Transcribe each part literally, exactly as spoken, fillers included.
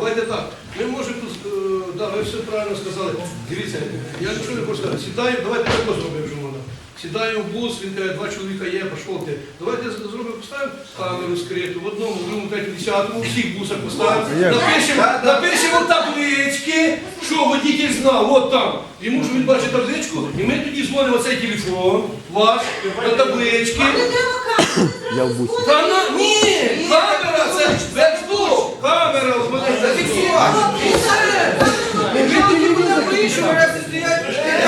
давайте так. Ми можемо тут, е, да, ви все правильно сказали. Дивіться, я нічого не хочу сказати. Сідаю, давайте так зробимо, що можна. Сідаю в бус, він каже, два чоловіка є, пішов ти. Давайте зробимо, поставимо камеру скриту, в одному, в другому, третьому, десятому, у всіх бусах поставимо. Напишемо, напишемо таблички, що водитель знав, от там. Йому ж він бачить табличку, і ми тоді дзвонимо цей телефон, ваш, на таблички. Я в бусі. Та на, ні, камера, це веб-бус, камера, от мене зафіксувати. І все. І ми тоді будемо вийшли, раз стоять,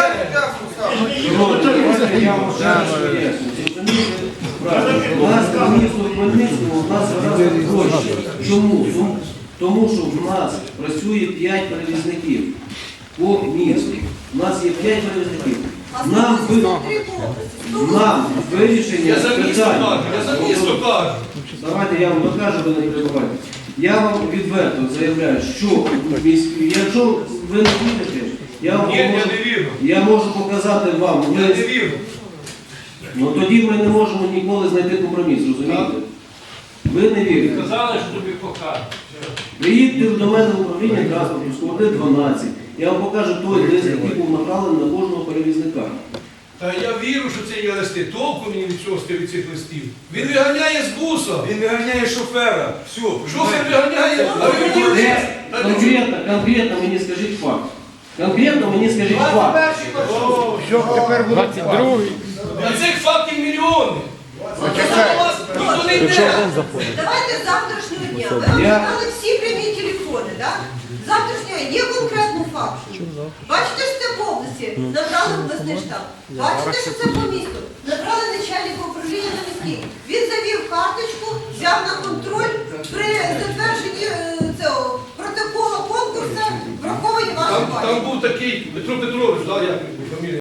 У нас в місто Хмельницькому, у нас гораздо гроші. Чому? Тому що в нас працює п'ять перевізників по місту. У нас є п'ять перевізників. Нам, нам вирішення я за місто питань. кажу, я за місто кажу. Давайте я вам покажу, ви не перебувайте. Я вам відверто заявляю, що в міській- якщо ви не вірите, я вам Ні, я можу, не вірю. я можу показати вам. Я Ви- не вірю. Ну тоді ми не можемо ніколи знайти компроміс, розумієте? Ви не вірите. Казали, що тобі покажуть. Приїдьте до мене в управління транспорту, склади дванадцять. Я вам покажу той лист, який був направлений на кожного перевізника. Та я вірю, що це є листи. Толку мені від цього від цих листів. Він виганяє з буса. Він виганяє шофера. Все. Шофер виганяє, а ви мені Де? лист. Конкретно, конкретно мені скажіть факт. Конкретно мені скажіть факт. двадцять другий. На цих фактів мільйони. Ніхто не Якщо йде. один заходить. Давайте з завтрашнього дня. Ви вам Я- сказали всі прямі телефони, так? З завтрашнього є конкретний факт. Бачите, що це в області, набрали обласний штаб. Бачите, що це по місту, набрали начальника управління на міський. Він завів карточку, взяв на контроль, при затвердженні е, цього протоколу конкурсу враховані ваші Там, бачення. там був такий Петро Петрович, да, як його фамілія.